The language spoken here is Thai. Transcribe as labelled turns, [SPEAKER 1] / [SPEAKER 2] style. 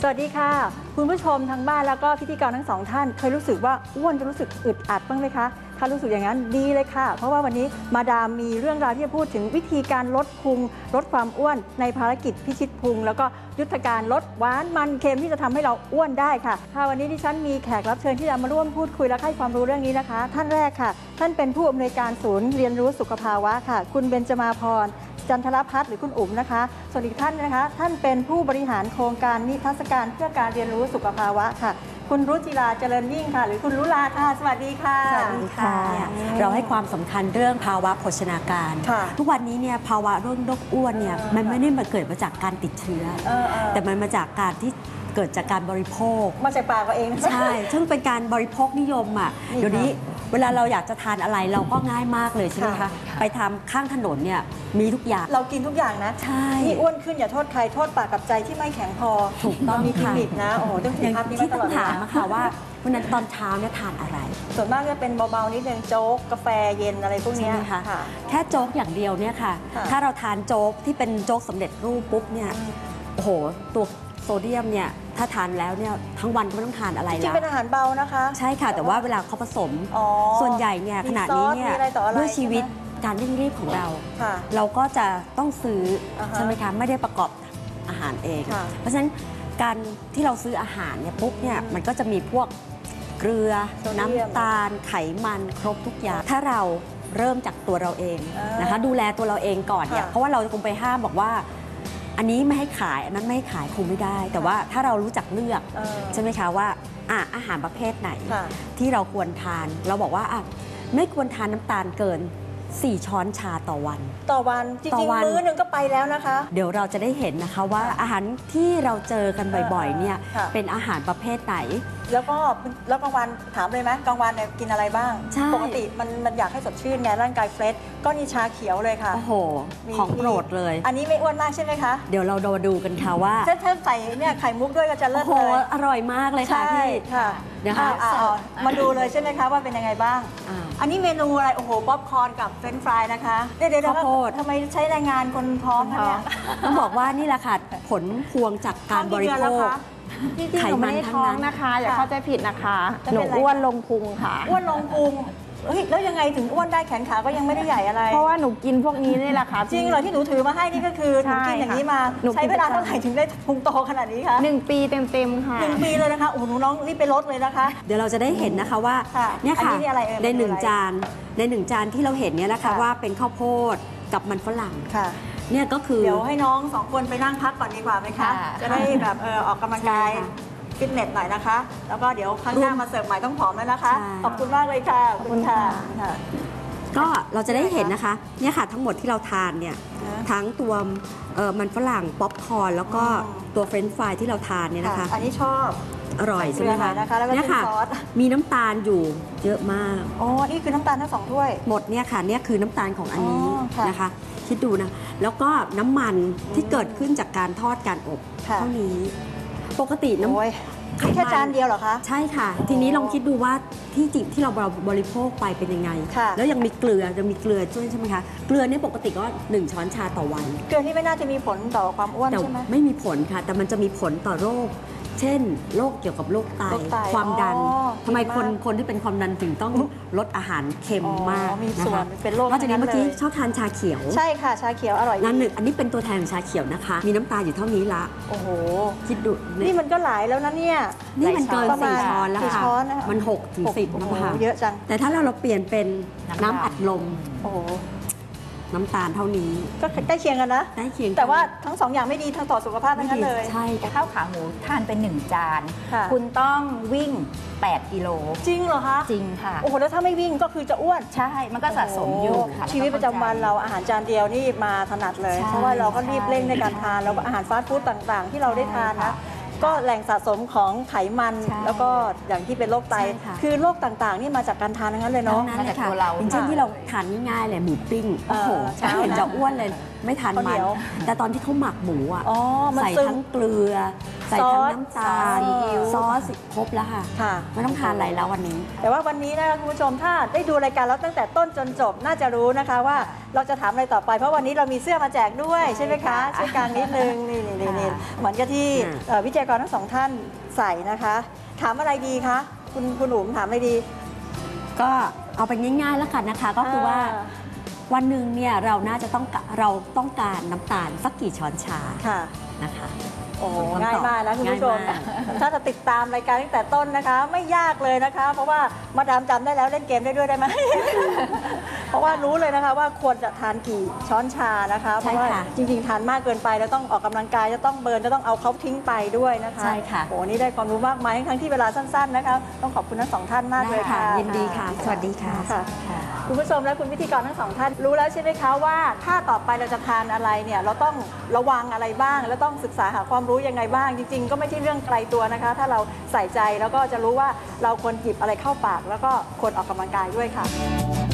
[SPEAKER 1] สวัสดีค่ะคุณผู้ชมทางบ้านแล้วก็พิธีกรทั้งสองท่านเคยรู้สึกว่าอ้วนจะรู้สึกอึดอัดบ้างไหมคะถ้ารู้สึกอย่างนั้นดีเลยค่ะเพราะว่าวันนี้มาดามมีเรื่องราวที่จะพูดถึงวิธีการลดพุงลดความอ้วนในภารกิจพิชิตพุงแล้วก็ยุทธการลดหวานมันเค็มที่จะทำให้เราอ้วนได้ค่ะวันนี้ดิฉันมีแขกรับเชิญที่จะมาร่วมพูดคุยและให้ความรู้เรื่องนี้นะคะท่านแรกค่ะท่านเป็นผู้อำนวยการศูนย์เรียนรู้สุขภาวะค่ะคุณเบญจมาพรจันทรพัฒน์หรือคุณอุ๋มนะคะส่วนอีกท่านนะคะท่านเป็นผู้บริหารโครงการนิทรรศการเพื่อการเรียนรู้สุขภาวะค่ะคุณรุจิราเจริญยิ่งค่ะหรือคุณรุลาค่ะสวัสดีค่ะ
[SPEAKER 2] สวัสดีค่ะเราให้ความสำคัญเรื่องภาวะโภชนาการทุกวันนี้เนี่ยภาวะโรคอ้วนเนี่ยมันไม่ได้มาเกิดมาจากการติดเชื้อแต่มันมาจากการที่เกิดจากการบริโภค
[SPEAKER 1] มาจากปากเราเอง
[SPEAKER 2] ใช่ซึ่งเป็นการบริโภคนิยมอ่ะเดี๋ยวนี้เวลาเราอยากจะทานอะไรเราก็ง่ายมากเลยใช่ไหมคะไปทำข้างถนนเนี่ยมีทุกอย่าง
[SPEAKER 1] เรากินทุกอย่างนะ
[SPEAKER 2] ใช่
[SPEAKER 1] นี่อ้วนขึ้นอย่าโทษใครโทษปากกับใจที่ไม่แข็งพอ
[SPEAKER 2] ถูกต้อง
[SPEAKER 1] มีกิมมิคนะโอ้โหต้องถือภาพนี้มาตลอด
[SPEAKER 2] ที่ต้องถามค่ะว่าวันนั้นตอนเช้าเนี่ยทานอะไร
[SPEAKER 1] ส่วนมากจะเป็นเบาๆนิดนึงโจ๊กกาแฟเย็นอะไรพวกนี้
[SPEAKER 2] ค่ะแค่โจ๊กอย่างเดียวเนี่ยค่ะถ้าเราทานโจ๊กที่เป็นโจ๊กสำเร็จรูปปุ๊บเนี่ยโอ้โหตัวโซเดียมเนี่ยถ้าทานแล้วเนี่ยทั้งวันก็ไม่ต้องทานอะไรแล้ว
[SPEAKER 1] จริงเป็นอาหารเบานะคะ
[SPEAKER 2] ใช่ค่ะแต่ว่าเวลาเขาผสมส่วนใหญ่เนี่ยขณะนี้เนี่ยด้วยชีวิตการเร่งรีบของเราเราก็จะต้องซื้อใช่ไหมคะไม่ได้ประกอบอาหารเองเพราะฉะนั้นการที่เราซื้ออาหารเนี่ยปุ๊บเนี่ยมันก็จะมีพวกเกลือน้ำตาลไขมันครบทุกอย่างถ้าเราเริ่มจากตัวเราเองนะคะดูแลตัวเราเองก่อนเนี่ยเพราะว่าเราคงไปห้ามบอกว่าอันนี้ไม่ให้ขายอันนั้นไม่ให้ขายคงไม่ได้แต่ว่าถ้าเรารู้จักเลือกใช่ไหมคะว่าอาหารประเภทไหนที่เราควรทานเราบอกว่าไม่ควรทานน้ำตาลเกิน4 ช้อนชาต่อวัน
[SPEAKER 1] จริงๆมื้อนึงก็ไปแล้วนะคะ
[SPEAKER 2] เดี๋ยวเราจะได้เห็นนะคะว่าอาหารที่เราเจอกันบ่อยๆเนี่ยเป็นอาหารประเภทไหน
[SPEAKER 1] แล้วกลางวันถามเลยไหมกลางวันเนี่ยกินอะไรบ้างปกติมันอยากให้สดชื่นไงร่างกายเฟรชก็มีชาเขียวเลยค่ะ
[SPEAKER 2] โอ้โหของโปรดเลย
[SPEAKER 1] อันนี้ไม่อ้วนมากใช่ไหมคะ
[SPEAKER 2] เดี๋ยวเราดูกันค่ะว่า
[SPEAKER 1] ถ้าใส่เนี่ยไข่มุกด้วยก็จะเลิศเลย
[SPEAKER 2] อร่อยมากเลยค่ะพี่
[SPEAKER 1] เดี๋ยวมาดูเลยใช่ไหมคะว่าเป็นยังไงบ้างอันนี้เมนูอะไรโอ้โหป๊อปคอร์นกับเฟรนช์ฟรายนะคะเดี๋ยวทำไมใช้แรงงานคนท้องคะเนี่ย
[SPEAKER 2] ต้องบอกว่านี่แหละค่ะผลพวงจากการบริโภค
[SPEAKER 3] จริงๆหนูไม่ได้ท้องนะคะอย่าเข้าใจผิดนะคะหนูอ้วนลงพุงค่ะ
[SPEAKER 1] อ้วนลงพุงแล้วยังไงถึงอ้วนได้แขนขาก็ยังไม่ได้ใหญ่อะไร
[SPEAKER 3] เพราะว่าหนูกินพวกนี้นี่แหละค่ะ
[SPEAKER 1] จริงเหรอที่หนูถือมาให้นี่ก็คือหนูกินอย่างนี้มาใช้เวลาเท่าไหร่ถึงได้พุงโตขนาดนี้คะ
[SPEAKER 3] 1 ปีเต็มๆค่ะ
[SPEAKER 1] 1 ปีเลยนะคะโอ้โหน้องรีบไปลดเลยนะคะ
[SPEAKER 2] เดี๋ยวเราจะได้เห็นนะคะว่าเนี่ยค่ะใน1 จานที่เราเห็นเนี่ยนะคะว่าเป็นข้าวโพดกับมันฝรั่งเนี่ยก็คือ
[SPEAKER 1] เดี๋ยวให้น้อง2 คนไปนั่งพักก่อนดีกว่าไหมคะจะได้แบบออกกำลังกายฟิตเนสหน่อยนะคะแล้วก็เดี๋ยวครั้งหน้ามาเสิร์ฟใหม่ต้องผอมแล้วนะคะขอบคุณมากเลยค่ะขอบคุณค่ะ
[SPEAKER 2] ก็เราจะได้เห็นนะคะเนี่ยค่ะทั้งหมดที่เราทานเนี่ยทั้งตัวมันฝรั่งป๊อปคอร์นแล้วก็ตัวเฟรนช์ฟรายที่เราทานเนี่ยนะคะ
[SPEAKER 1] อันนี้ชอบ
[SPEAKER 2] อร่อยใช่ไหมคะ
[SPEAKER 1] เนี่ยค่ะ
[SPEAKER 2] มีน้ำตาลอยู่เยอะมาก
[SPEAKER 1] อ๋อนี่คือน้ำตาลทั้ง2 ถ้วย
[SPEAKER 2] หมดเนี่ยค่ะเนี่ยคือน้ำตาลของอันนี้นะคะคิดดูนะแล้วก็น้ำมันที่เกิดขึ้นจากการทอดการอบเท่านี้ปกติ
[SPEAKER 1] แค่จานเดียวเหรอคะ
[SPEAKER 2] ใช่ค่ะทีนี้ลองคิดดูว่าที่เราบริโภคไปเป็นยังไงแล้วยังมีเกลือด้วยใช่ไหมคะเกลือเนี่ยปกติก็1 ช้อนชาต่อวัน
[SPEAKER 1] เกลือที่ไม่น่าจะมีผลต่อความอ้วนใช่ไหม
[SPEAKER 2] ไม่มีผลค่ะแต่มันจะมีผลต่อโรคเช่นโรคเกี่ยวกับโรคไตความดันทำไมคนที่เป็นความดันถึงต้องลดอาหารเค็มมาก
[SPEAKER 1] นะคะเป็นโรคน
[SPEAKER 2] อกจากนี้เมื่อกี้ชอบทานชาเขียว
[SPEAKER 1] ใช่ค่ะชาเขียวอร่อย
[SPEAKER 2] นั่นอันนี้เป็นตัวแทนของชาเขียวนะคะมีน้ำตาลอยู่เท่านี้ละ
[SPEAKER 1] โอ้โห
[SPEAKER 2] คิดดู
[SPEAKER 1] นี่มันก็หลายแล้วนะเนี่ย
[SPEAKER 2] นี่มันเกิน4 ช้อนแล้วค่ะมัน6 ถึง 10นะคะ
[SPEAKER 1] เยอะจัง
[SPEAKER 2] แต่ถ้าเราเปลี่ยนเป็นน้ำอัดลม
[SPEAKER 1] โอ้โห
[SPEAKER 2] น้ำตาลเท่านี้
[SPEAKER 1] ก็ใกล้เคียงกันนะ
[SPEAKER 2] ใกล้เคียง
[SPEAKER 1] แต่ว่าทั้ง2 อย่างไม่ดีทั้งต่อสุขภาพทั้งนั้นเลย
[SPEAKER 2] ใช่
[SPEAKER 3] ข้าวขาหมูทานเป็น1 จานคุณต้องวิ่ง8 กิโล
[SPEAKER 1] จริงเหรอคะ
[SPEAKER 3] จริงค่ะ
[SPEAKER 1] โอ้โหแล้วถ้าไม่วิ่งก็คือจะอ้วน
[SPEAKER 3] ใช่มันก็สะสมอยู่
[SPEAKER 1] ชีวิตประจำวันเราอาหารจานเดียวนี่มาถนัดเลยเพราะว่าเราก็รีบเร่งในการทานแล้วก็อาหารฟาสต์ฟู้ดต่างๆที่เราได้ทานนะก็แหล่งสะสมของไขมันแล้วก็อย่างที่เป็นโรคไตคือโรคต่างๆนี่มาจากการทานทั้งนั้นเลยเนาะ
[SPEAKER 2] มาจากตัวเราอย่างเช่นที่เราทานง่ายๆเลยหมูปิ้งโอ้โหเห็นจะอ้วนเลยไม่ทานมันแต่ตอนที่เขาหมักหมูอ่ะใส่ทั้งเกลือใส่ทั้งน้ำตาลซอสครบแล้วค่ะไม่ต้องทานอะไรแล้ววันนี้
[SPEAKER 1] แต่ว่าวันนี้นะคะคุณผู้ชมถ้าได้ดูรายการเราตั้งแต่ต้นจนจบน่าจะรู้นะคะว่าเราจะถามอะไรต่อไปเพราะวันนี้เรามีเสื้อมาแจกด้วยใช่ไหมคะช่วยกางนิดนึงนี่เหมือนกับที่วิทยากรทั้งสองท่านใส่นะคะถามอะไรดีคะคุณอุ๋มถามอะไรดี
[SPEAKER 2] ก็เอาไปง่ายๆแล้วกันนะคะก็คือว่าวันหนึ่งเนี่ยเราต้องการน้ำตาลสักกี่ช้อนชานะคะ
[SPEAKER 1] โอ้ง่ายมากนะคุณผู้ชมถ้าจะติดตามรายการตั้งแต่ต้นนะคะไม่ยากเลยนะคะเพราะว่ามาดามจำได้แล้วเล่นเกมได้ด้วยได้ไหม เพราะว่ารู้เลยนะคะว่าควรจะทานกี่ช้อนชานะคะเพราะว่าจริงๆทานมากเกินไปแล้วต้องออกกำลังกายจะต้องเบิร์นจะต้องเอาเขาทิ้งไปด้วยนะคะ
[SPEAKER 2] ใช่ค่ะ
[SPEAKER 1] โอ้นี่ได้ความรู้มากมายทั้งที่เวลาสั้นๆนะคะต้องขอบคุณทั้งสองท่านมากเลยค่ะ
[SPEAKER 2] ยินดีค่ะสวัสดีค่ะ
[SPEAKER 1] คุณผู้ชมและคุณพิธีกรทั้งสองท่านรู้แล้วใช่ไหมคะว่าถ้าต่อไปเราจะทานอะไรเนี่ยเราต้องระวังอะไรบ้างแล้วต้องศึกษาหาความรู้ยังไงบ้างจริงๆก็ไม่ใช่เรื่องไกลตัวนะคะถ้าเราใส่ใจแล้วก็จะรู้ว่าเราควรหยิบอะไรเข้าปากแล้วก็ควรออกกำลังกายด้วยค่ะ